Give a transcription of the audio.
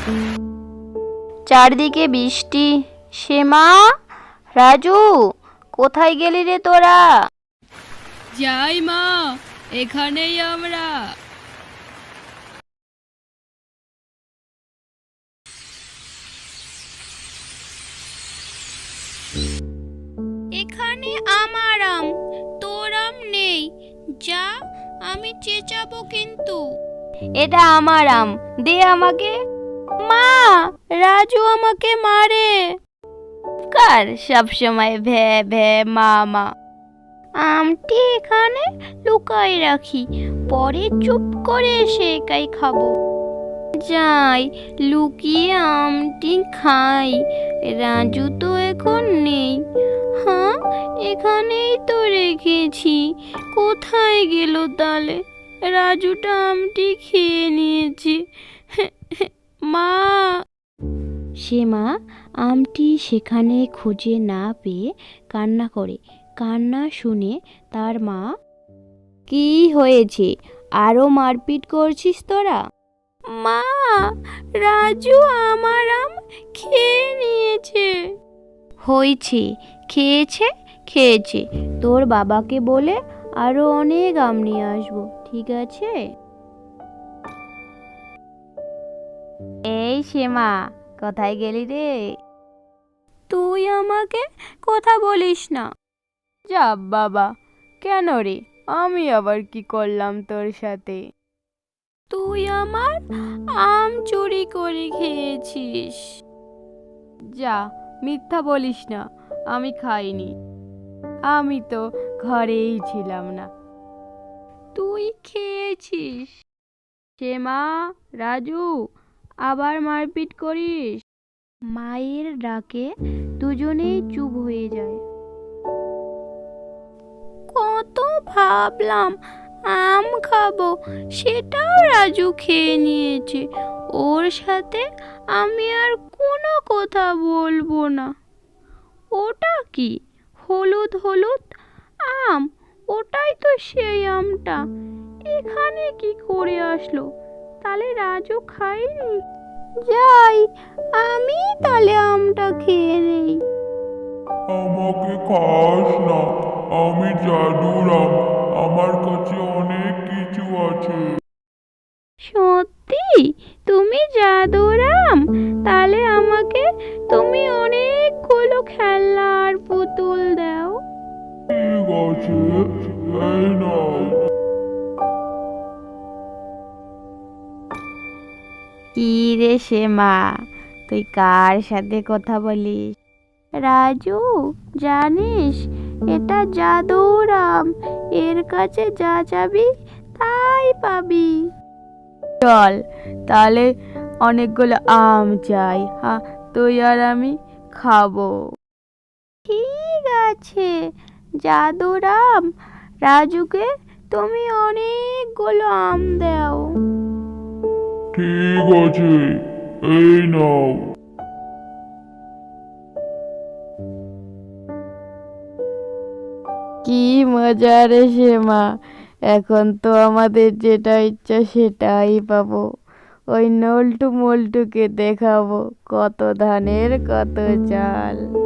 চারদিকে বৃষ্টি। শ্যামা, রাজু, কোথায় গেলি রে তোরা? যাই মা, এখানেই আমরা। এখানে আমার আম, তোর আম নেই। যা, আমি চেঁচাবো কিন্তু। এটা আমার আম, দে আমাকে। মা, রাজু আমাকে মারে। কার সব সময় ভ্যা ভ্যা মা মা। আমটি এখানে লুকাই রাখি, পরে চুপ করে এসে একাই খাবো। যাই, লুকিয়ে আমটি খাই। রাজু তো এখন নেই। হ্যাঁ, এখানেই তো রেখেছি। কোথায় গেল তাহলে? রাজুটা আমটি খেয়ে নিয়েছে। মা। শ্যামা আমটি সেখানে খুঁজে না পেয়ে কান্না করে। কান্না শুনে তার মা, কি হয়েছে? আরো মারপিট করছিস তোরা? মা, রাজু আমার আম খেয়ে নিয়েছে। হয়েছে, খেয়েছে খেয়েছে। তোর বাবাকে বলে আরো অনেক আম নিয়ে আসবো, ঠিক আছে? এই শ্যামা, কোথায় গেলি রে? তুই আমাকে কথা বলিস না। যা বাবা, কেন রে? আমি আবার কি করলাম তোর সাথে? তুই আমার আম চুরি করে খেয়েছিস। যা, মিথ্যা বলিস না, আমি খাইনি। আমি তো ঘরেই ছিলাম না। তুই খেয়েছিস। শ্যামা, রাজু, আবার মারপিট করিস। মায়ের ডাকে দুজনেই চুপ হয়ে যায়। কত ভাবলাম আম খাবো, সেটাও রাজু খেয়ে নিয়েছে। ওর সাথে আমি আর কোনো কথা বলবো না। ওটা কি হলুদ হলুদ আম? ওটাই তো সেই আমটা। এখানে কি করে আসলো? তাহলে রাজু খায়নি। যাই, আমি তাহলে আমটা খেয়ে নেই। আমাকে খাস না, আমি জাদুর আম, আমার কাছে অনেক কিছু আছে। সত্যি তুমি জাদুর আম? তাহলে আমাকে তুমি অনেকগুলো খেলনা আর পুতুল দাও। ঠিক আছে, এই নাও। কি রে শ্যামা, তুই কার সাথে কথা বলিস? রাজু, জানিস এটা জাদুর আম, এর কাছে যা যাবি তাই পাবি। চল, তাহলে অনেকগুলো আম চাই, হ্যাঁ, তুই আর আমি খাবো। ঠিক আছে, জাদুর আম, রাজুকে তুমি অনেকগুলো আম দাও। ঠিক আছে, এই নাও। কি মজা রে শ্যামা, এখন তো আমাদের যেটা ইচ্ছা সেটাই পাবো। ওই নল্টু মল্টুকে দেখাবো কত ধানের কত চাল।